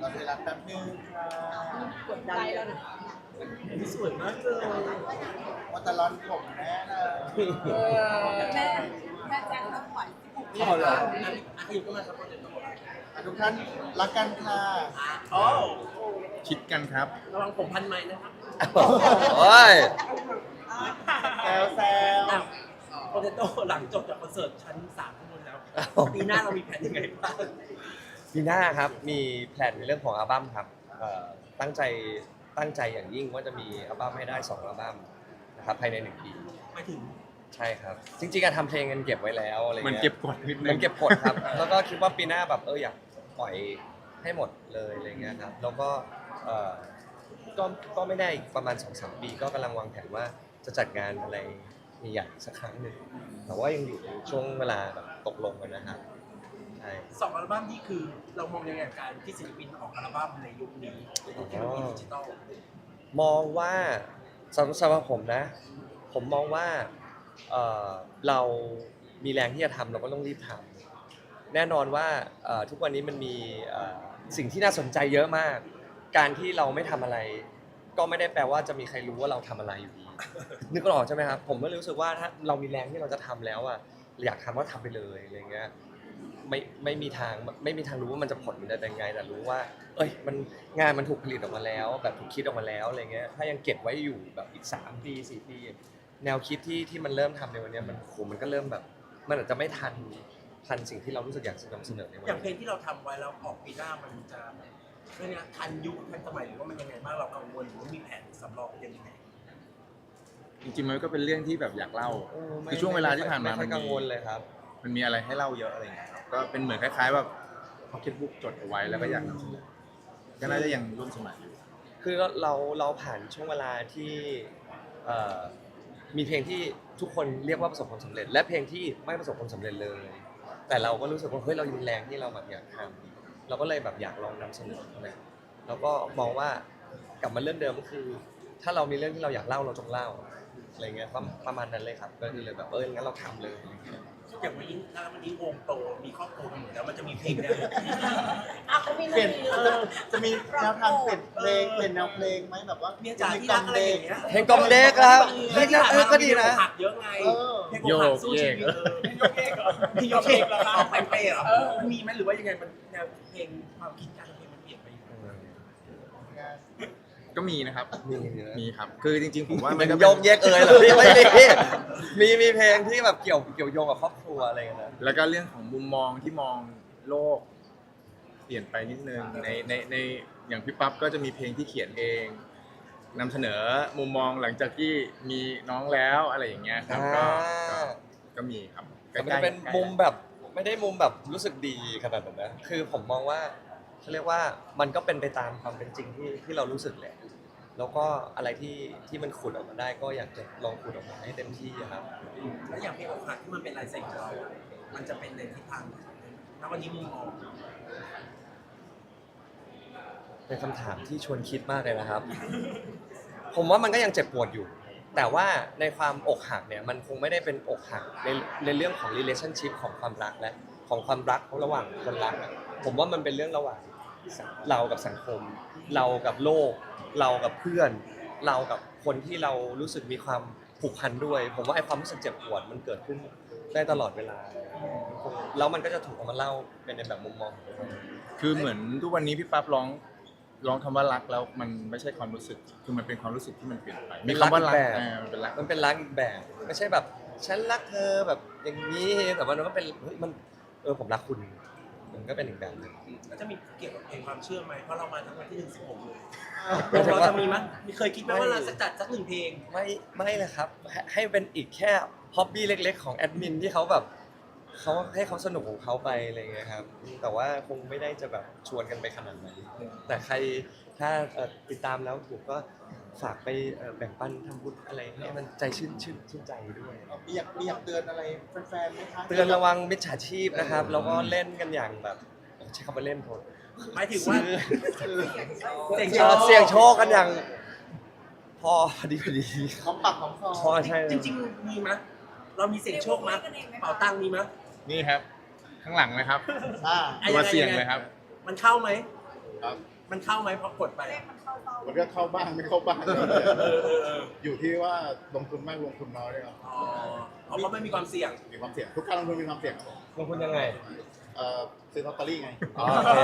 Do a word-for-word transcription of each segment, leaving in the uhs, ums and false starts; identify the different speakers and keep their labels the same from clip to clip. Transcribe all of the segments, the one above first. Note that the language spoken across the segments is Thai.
Speaker 1: เราเวลาแป๊บนึงค่ะ
Speaker 2: กดดันแล้วนะ
Speaker 3: สวยมากเลย
Speaker 1: ว่าแต่ร้อนผมแน่เลย
Speaker 2: แม่แม่แจ้งต้องปล่อย
Speaker 3: อ๋อเหรออ่ะอยู่ก็มาครับโปรเจกต์ตัว
Speaker 1: อ่ะทุกท่านรักกันค่ะ
Speaker 3: อ๋อ
Speaker 4: คิดกันครับ
Speaker 3: ระวังผมพันไม้นะครับ
Speaker 5: โอ้ย
Speaker 1: แซวแซว
Speaker 3: อ้าวโปรเจกต์หลังจบจากคอนเสิร์ตชั้นสามข้างบนแล้วปีหน้าเรามีแผนยังไงบ้าง
Speaker 5: ปีหน้าครับมีแพลนในเรื่องของอัลบั้มครับเอ่อตั้งใจตั้งใจอย่างยิ่งว่าจะมีอัลบั้มให้ได้สองอัลบั้มนะครับภายในหนึ่งปี
Speaker 3: หมายถึง
Speaker 5: ใช่ครับ จริงๆการทำเพลงกันเก็บไว้แล้วอะไร
Speaker 4: มัน
Speaker 5: เงี้ย
Speaker 4: เก็บกดนิดนึ
Speaker 5: มัน
Speaker 4: ง
Speaker 5: เก็บกดครับ แล้วก็คิดว่าปีหน้าแบบเอออยากปล่อยให้หมดเลยอะไรเงี้ยครับแล้วก็เอ่อก็ก็ไม่ได้อีกประมาณ สองสาม ปีก็กำลังวางแผนว่าจะจัดงานอะไรใหญ่ๆสักครั้งหนึ่งแต่ว่ายังอยู่ในช่วงเวลาแบบตกลงกันนะครับใช่
Speaker 3: สองอัลบั้มนี่คือเรามองยังไงกับการที่ศิลปินออกอัลบั้มในยุคนี้ในยุคเทคโนโลยีดิจิตอล
Speaker 5: มองว่าสำสำหรับผมนะ ผมมองว่าเอ่อเรามีแรงที่จะทำเราก็ต้องรีบทำแน่นอนว่าเอ่อทุกวันนี้มันมีเอ่อสิ่งที่น่าสนใจเยอะมาก การที่เราไม่ทำอะไร ก็ไม่ได้แปลว่าจะมีใครรู้ว่าเราทำอะไรอยู่ดี นึกออกใช่ไหมครับผมก็รู้สึกว่าถ้าเรามีแรงที่เราจะทำแล้วอ่ะอยากทำก็ทำไปเลยอะไรเงี้ยไม่ไม่มีทางไม่มีทางรู้ว่ามันจะผลมันจะยังไงแต่รู้ว่า เอ้ยมันงานมันถูกผลิตออกมาแล้ว แบบถูกคิดออกมาแล้วอะไรเงี้ยถ้ายังเก็บไว้อยู่แบบอีกสามปีสี่ปีแนวคิดที่ที่มันเริ่มทำในวันเนี้ยมันโหมันก็เริ่มแบบ มันอาจจะไม่ทันทันสิ่งที่เรารู้สึกอยากจะนำเสนอในวัน
Speaker 3: อย่างเพล
Speaker 5: นี้
Speaker 3: งที่เราทำไว้แล้วออกปีหน้ามันจะเรื่องนี้ทันยุคทันสมัยหรือว่ามันยังไงบ้างเรากังวลหรือว่ามีแผนสำรองยังไง
Speaker 4: จริงๆมันก็เป็นเรื่องที่แบบอยากเล่า
Speaker 5: เออไม่
Speaker 4: คือช่วงเวลาที่ผ่านมา
Speaker 5: ไม่ค่อย
Speaker 4: มันมี
Speaker 5: กังวลเลยครับ
Speaker 4: มันมีอะไรให้เล่าเยอะอะไรอย่างเงี้ยครับก็เป็นเหมือนคล้ายๆแบบพ็อกเก็ตบุ๊กจดเอาไว้แล้วก็อยากนำเสนอก็น่าจะยังร่วมสมัยอยู่
Speaker 5: คือเราเราเราผ่านช่วงเวลาที่เอ่อมีเพลงที่ทุกคนเรียกว่าประสบความสำเร็จ และเพลงที่ไม่ประสบความสำเร็จเลย แต่เราก็รู้สึกว่าเฮ้ยเรายังแรงที่เราแบบอยากทำเราก็เลยแบบอยากลองนำเสนอนะแล้วก็มองว่ากลับมาเรื่องเดิมก็คือ ถ้าเรามีเรื่องที่เราอยากเล่าเราจงเล่าอะไรเงี้ยประประมาณนั้นเลยครับก็คือเลยแบบเอองั้นเราทำเลยอะไรเงี้ย
Speaker 3: อย่างวันนี้ถ้าวันนี้วงโตมีครอบครัวกันหมดแล้วมันจะมีเพลงแนว
Speaker 2: อ่ะเขามี
Speaker 1: เปลี่ยน
Speaker 2: เอ
Speaker 1: จะ
Speaker 2: อ
Speaker 1: จะมีแนวทางเปลี่ยนเพลงเปลี่ยนแนวเพลงไหมแบบว่า
Speaker 3: เมียจ๋าที่รักอะไรอย่างเงี้ย
Speaker 5: เพลงกล่อมเด็กครับเพลงนั้นเออก็ดีนะ
Speaker 3: หักเยอะไง
Speaker 1: เออ
Speaker 3: เพลงอกหักสู้ชีวิตเออเพลงโยกเยกเหรอเพลงโยกเยกเหรอครับไปเปย์เหรอมีไหมหรือว่ายังไงมันแนวเพลงความคิดการเพลงมันเปลี่ยนไปอยู่
Speaker 4: ก็มีนะครับ
Speaker 5: มีมีนะ
Speaker 4: มีครับ คือจริงๆผมว่า
Speaker 5: มั
Speaker 4: มัน
Speaker 5: น
Speaker 4: ก็
Speaker 5: โย
Speaker 4: เป็น
Speaker 5: กแยกเอยเหรอพี่ไม่มีมีมีเพลงที่แบบเกี่ยวเกี่ยวโยงกับครอบครัวอะไรกันนะ
Speaker 4: แล้วก็เรื่องของมุมมองที่มองโลก เปลี่ยนไปนิดนึงในในในอย่างพี่ปั๊บก็จะมีเพลงที่เขียนเองนำเสนอมุมมองหลังจากที่มีน้องแล้วอะไรอย่างเงี้ยครับก็ก็ก็มีครับ
Speaker 5: แต่มันจะเป็นมุมแบบไม่ได้มุมแบบรู้สึกดีขนาดนั้นนะคือผมมองว่าเขาเรียกว่ามันก็เป็นไปตามความเป็นจริงที่ที่เรารู้สึกแหละแล้วก็อะไรที่ที่มันขุดออกมาได้ก็อยากจะลองขุดออกมาให้เต็มที่อะครับ
Speaker 3: แล้วอย่างเพลงอกหักที่มันเป็นลายเซ็นของเราอะมันจะเป็นในทิศทางไหนแล้ววันนี้มุมมอง
Speaker 5: เป็นคำถามที่ชวนคิดมากเลยนะครับ ผมว่ามันก็ยังเจ็บปวดอยู่ แต่ว่าในความอกหักเนี่ยมันคงไม่ได้เป็นอกหักในในเรื่องของ relationship ของความรักและของความรักระหว่างคนรักอะผมว่ามันเป็นเรื่องระหว่างเรากับสังคม เรากับโลก เรากับเพื่อน เรากับคนที่เรารู้สึกมีความผูกพันด้วย ผมว่าไอ้ความรู้สึกเจ็บปวดมันเกิดขึ้นได้ตลอดเวลาแล้วมันก็จะถูกเอามาเล่าเป็นในแบบมุมมองของเรา
Speaker 4: คือเหมือนทุกวันนี้พี่ปั๊บร้องร้องคำว่ารักแล้วมันไม่ใช่ความรู้สึกคือมันเป็นความรู้สึกที่มันเปลี่ยนไปมีคำว่ารักอ่ามันเป็นรัก
Speaker 5: มันเป็นรักอีกแบบ ไม่ใช่แบบฉันรักเธอแบบอย่างนี้แต่ว่ามันก็เป็นเฮ้ยมันเออผมรักคุณมันก็เป็นอีกแบบหนึง
Speaker 3: แล้วจะมีเกี่ยวกับเพลงความเชื่อไหมเพราะเรามาทั้งวันที่หนึ่งสิบหกเลย
Speaker 5: หมายถึง
Speaker 3: เรา
Speaker 5: ว่า
Speaker 3: จะมีมั้ยมีเคยคิดไหมว่าเราจะจัดสักหนึ่งเพลง
Speaker 5: ไม่ไม่เลยครับให้ให้เป็นอีกแค่ฮ็อบบี้เล็ก ๆ ของแอดมินที่เขาแบบเขาให้เขาสนุกของเขาไปอะไรเงี้ยครับแต่ว่าคงไม่ได้จะแบบชวนกันไปขนาดนั้นแต่ใครถ้าเอ่อติดตามแล้วถูกก็ฝากไปเอ่อแบ่งปันทำบุญอะไรให้มันใจชื่นชื่นชื่นใจด้วย
Speaker 1: มีอยากมีอยากเตือนอะไรแฟนๆไหมคะ
Speaker 5: เตือนระวังมิจฉาชีพนะครับแล้วก็เล่นกันอย่างแบบใช้คำว่าเล่นโทษ
Speaker 3: หมายถึงว่า
Speaker 5: ซื้อ
Speaker 3: เสี่ยง
Speaker 5: เอ่อเสี่ยงโชคกันอย่างพอดีพอดี
Speaker 1: หอมปากหอมคอ
Speaker 5: พอใช่
Speaker 3: จริงๆมีมั้ยเรามีเสี่ยงโชคมั้ยเป่าตังค์มีมั้ย
Speaker 4: นี่ครับ ข้างหลังเลยครับ
Speaker 1: อ่า
Speaker 3: อ่ะ
Speaker 4: ตัว
Speaker 3: งไง
Speaker 4: เสี่ยง
Speaker 3: งไง
Speaker 4: เลยครับ
Speaker 3: มันเข้าไหม
Speaker 4: ครับ
Speaker 3: มันเข้าไหมพอกดไป
Speaker 2: เลขมันเข้าเป้า
Speaker 1: มันก็เข้าบ้างไม่เข้าบ้าง
Speaker 3: เออเออเออ
Speaker 1: อยู่ที่ว่าลงทุนมากลงทุนน้อยด้วยครับ
Speaker 3: อ๋อเพราะไม่มีความเสี่ยง
Speaker 1: มีความเสี่ยงทุกการลงทุนมีความเสี่ยงครับผม
Speaker 5: ลงทุนยังไง
Speaker 1: เอ่อซื้อลอตเตอรี่ไง
Speaker 5: อ๋อโอเค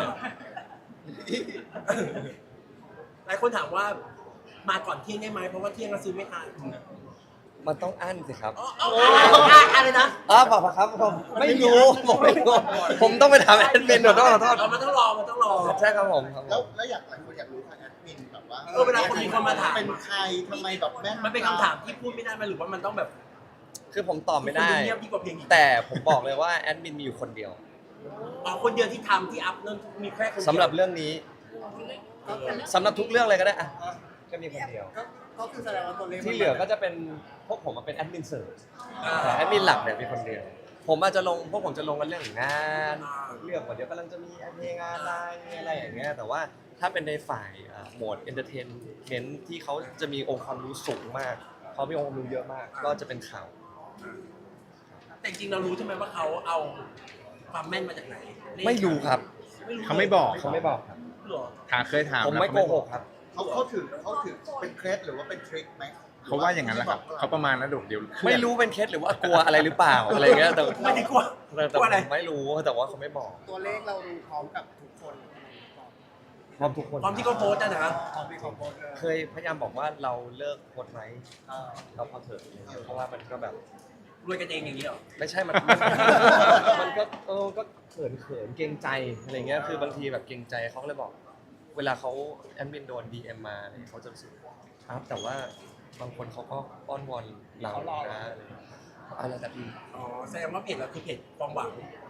Speaker 3: หลายคนถามว่ามาก่อนเที่ยงได้ไหมเพราะว่าเที่ยงเราซื้อไม่ทัน
Speaker 5: มันต้องอั้นสิครับ
Speaker 3: อ๋อเอาเอาอะไรนะ
Speaker 5: อ๋อเปล่าครับผมไม่รู้ผมไม่รู้ผมต้องไปถามแอดมินเดี๋ยวต้องขอโทษ
Speaker 3: เอามันต้องรอมันต้องรอ
Speaker 5: ใช่ครับผมครับผ
Speaker 1: แล้ว
Speaker 5: ม
Speaker 1: แล้วอยากหลายคนอยากรู้ทางแอดมินแบบว่า
Speaker 3: เออเวลาคนมีคนมาถาม
Speaker 1: เป็นใครทำไมแบบแม่
Speaker 3: มันเป็นคำถามที่พูดไม่ได้ไหมหรือว่ามันต้องแบบ
Speaker 5: คือผมตอบไม่ได้
Speaker 3: คุณเงียบดีกว่าเพลงอีก
Speaker 5: แต่ผมบอกเลยว่าแอดมินมีอยู่คนเดียว
Speaker 3: อ๋อคนเดียวที่ทำที่อัพนั่นมีแค่คนเดียว
Speaker 5: สำหรับเรื่องนี้สำหรับทุกเรื่องเลยก็ได้อะก็มีคนเดียว
Speaker 1: ก็ก็คือแสดงว่าตัวเลข
Speaker 5: ที่เหลือก็จะเป็นพวกผมมาเป็นแอดมินเสริม
Speaker 3: อ่า
Speaker 5: แต่แอดมินหลักเนี่ยมีคนเดียว ผมอาจจะลงพวกผมจะลงกันเรื่องงาน เรื่องว่าเดี๋ยวกำลังจะมีเพลงอะไรอะไรอย่างเงี้ยแต่ว่าถ้าเป็นในฝ่ายอ่าโหมดเอนเตอร์เทนเมนต์ที่เขาจะมีองค์ความรู้สูงมากเขามีองค์ความรู้เยอะมาก ก็จะเป็นข่าว
Speaker 3: แต่จริงๆเรารู้ใช่ไหมว่าเขาเอาความแม่นมาจากไหน
Speaker 5: ไม่รู้ครับ
Speaker 4: เขาไม่บอก
Speaker 5: เขาไม่บอกครับ
Speaker 3: หรอ
Speaker 4: ถามเคยถาม
Speaker 5: ผม
Speaker 4: แล้ว
Speaker 5: ไม่
Speaker 4: เขา
Speaker 5: โกหกครับ
Speaker 1: เขาเขาถือเขาถือเป็นเคล็ดหรือว่าเป็นทริคไหม
Speaker 4: เขาว่าอย่างนั้นแหละครับเขาประมาณนั้นเดี๋ยวเคยด
Speaker 5: ไม่รู้เป็นเคสหรือว่ากลัวอะไรหรือเปล่าอะไรเงี้ยแต่
Speaker 3: ไม่ได้กลัว
Speaker 5: แต่แต่
Speaker 3: กลัวอะไร
Speaker 5: ผมไม่รู้แต่ว่าเขาไม่บอก
Speaker 1: ตัวเลขเราดูพร้อมกับทุกคน
Speaker 5: พร้อมทุกคน
Speaker 3: ความที่เขาโพสต์นะนะ
Speaker 1: พร้อมที่เขาโพสต์
Speaker 5: เคยพยายามบอกว่าเราเลิกโพสต์ไหมเราพอเถอะอะไรเงี้ยเพราะว่ามันก็แบบ
Speaker 3: รวยกันเองอย่างนี้เหรอ
Speaker 5: ไม่ใช่มัน มันก็เออก็เขินเขินเกรงใจอะไรเงี้ยคือบางทีแบบเกรงใจเขาก็เลยบอก เวลาเขาแอดมินโดน ดี เอ็ม มาอะไรเงี้ยเขาจะรู้สึกครับแต่ว่าบางคนเขาก็อ้อนวอนเรานะอะไรเงี้ยเอาแล้วแต่พี่
Speaker 3: อ๋อแสดงว่าเพจเราคือเพจความหวัง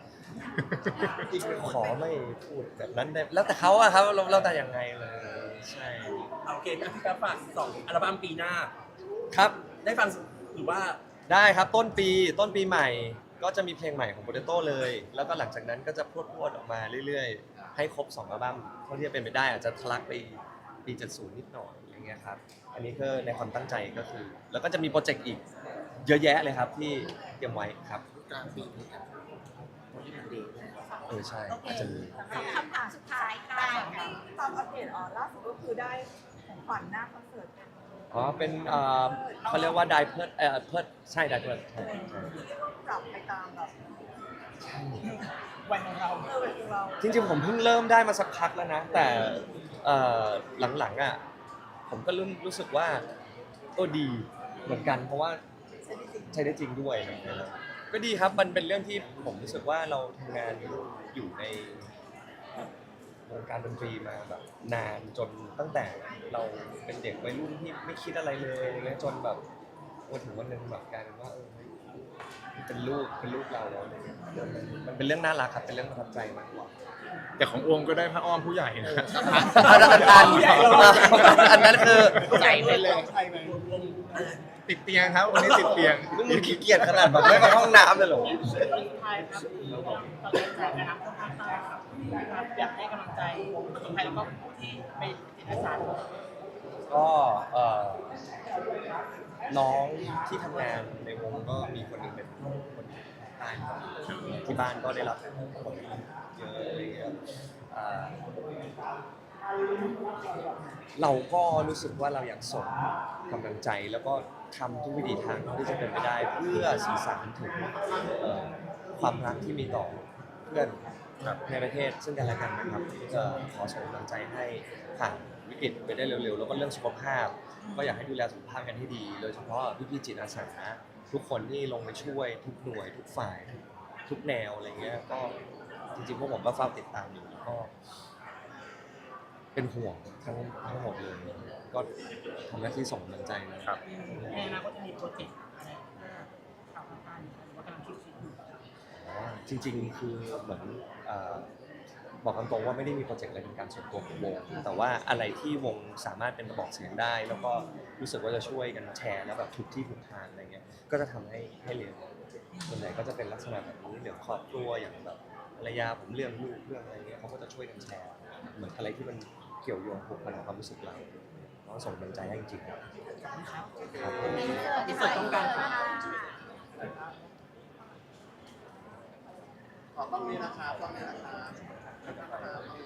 Speaker 5: ขอไม่พูดแบบนั้นได้แล้วแต่เขาอะครับเราเราแต่ยังไงเลยใช่
Speaker 3: เอาโอเคงั้นพี่แป๊บฝากสองอัลบั้มปีหน้า
Speaker 5: ครับ
Speaker 3: ได้ฟังหรือว่า
Speaker 5: ได้ครับต้นปีต้นปีใหม่ก็จะมีเพลงใหม่ของโปเตโต้เลย แล้วก็หลังจากนั้นก็จะพรวดพรวดออกมาเรื่อยๆ ให้ครบสองอัลบั้มเท่าที่จะเป็นไปได้อาจจะทะลักไปปีเจ็ดสิบนิดหน่อยอย่างเงี้ยครับอันนี้ก็ในความตั้งใจก็คือ แล้วก็จะมีโปรเจกต์อีกเยอะแยะเลยครับที่เตรียมไว้ครับ
Speaker 1: กลางปีนี้ครับวันที่มันดี
Speaker 5: เออใช่อาจจะมี
Speaker 2: คำถามสุดท้ายค่ะตามอัปเดตอ๋อล่าสุดก็คือได้ของขวัญหน้าคอนเสิร์ตเป็น
Speaker 5: อ๋อเป็นเอ่อเขาเรียกว่าไดเพิร์ดเอ่อเพิร์ดใช่ไดเพิร์ด
Speaker 2: ปรับไปตามแบบ
Speaker 3: วันของเรา
Speaker 2: เออเป็นของเรา
Speaker 5: จริงๆผมเพิ่งเริ่มได้มาสักพักแล้วนะ แต่เอ่อหลังๆอ่ะผมก็รู้รู้สึกว่าโอ้ดีเหมือนกัน เพราะว่า
Speaker 2: ใช่จริง
Speaker 5: ใช้ได้จริงด้วยอะไรอย่างเงี้ยครับก็ดีครับมันเป็นเรื่องที่ผมรู้สึกว่าเราทำงานอยู่ในวงการดนตรีมาแบบนานจนตั้งแต่เราเป็นเด็กวัยรุ่นที่ไม่คิดอะไรเลยอะไรเงี้ยจนแบบวันถึงวันหนึ่งแบบกลายเป็นว่าเออเป็นลูกเป็นลูกเราแล้วอะไรเงี้ยมันเป็นเรื่องน่ารักครับเป็นเรื่องประทับใจมากกว่า
Speaker 4: แต่ของโอมก็ได้ผ้าอ้อมผู้ใหญ่นะ
Speaker 5: อันนั้นอันอันนั้นคือ
Speaker 1: ใจไปเลยใช่ไหม
Speaker 4: ติดเตียงครับวันนี้ติดเตียง
Speaker 5: มึงขี้เกียจขนาดแบบไม่ไปห้องน้ำเลยเหรอ
Speaker 6: ไทยครับตอนนี้แจกนะครับภาคใต้ครับอยากให้กำลังใจคนไทยแล้วก็ผู้ที่ไปจิตอาสา
Speaker 5: ก็เอ่อน้องที่ทำงานในวงก็มีคนหนึ่งเป็นคนใต้ครับที่บ้านก็ได้รับผลเยอะอะไรเงี้ยอ่าเราก็รู้สึกว่าเราอยากส่งกำลังใจแล้วก็ทำทุกวิถีทางเท่าที่จะเป็นไปได้เพื่อสื่อสารถึงเอ่อความรักที่มีต่อเพื่อนในประเทศซึ่งกันและกันนะครับจะขอส่งกำลังใจให้ผ่านวิกฤตไปได้เร็วๆแล้วก็เรื่องสุขภาพ ก็อยากให้ดูแลสุขภาพกันให้ดีโดยเฉพาะพี่ๆจิตอาสาทุกคนที่ลงไปช่วยทุกหน่วยทุกฝ่ายทุกทุกแนวอะไรเงี้ยก็จริงๆพวกผมก็เฝ้าติดตามอยู่ก็ เป็นห่วงทั้งทั้งหมดเลยก็ทำหน้าที่ส่งกำลังใจนะครับ
Speaker 6: ในอนาคตจะมีโปรเจกต์อะไรเพื่อข่าวการหรือว่ากำลังคิดคิดอยู่
Speaker 5: อ๋อจริงๆคือเหมือนเอ่อบอกตรงๆว่าไม่ได้มีโปรเจกต์อะไรเป็นการส่วนตัวของวงแต่ว่าอะไรที่วงสามารถเป็นกระบอกเสียงได้ แล้วก็รู้สึกว่าจะช่วยกันแชร์แล้วแบบทุกที่ทุกทางอะไรเงี้ยก็จะทำให้ให้เร็วส่วนใหญ่ก็จะเป็นลักษณะแบบนี้เรื่องครอบครัวอย่างแบบภรรยาผมเรื่องลูกเรื่องอะไรเงี้ยเขาก็จะช่วยกันแชร์เหมือนอะไรที่มันเกี่ยวโยงผูกพันกับความรู้สึกเราก็ส่งกำลังใจให้จริงๆครับครับ
Speaker 3: ที่สุดต้องการ
Speaker 1: ขอต้องนี้นะครับต้องนี้นะครับ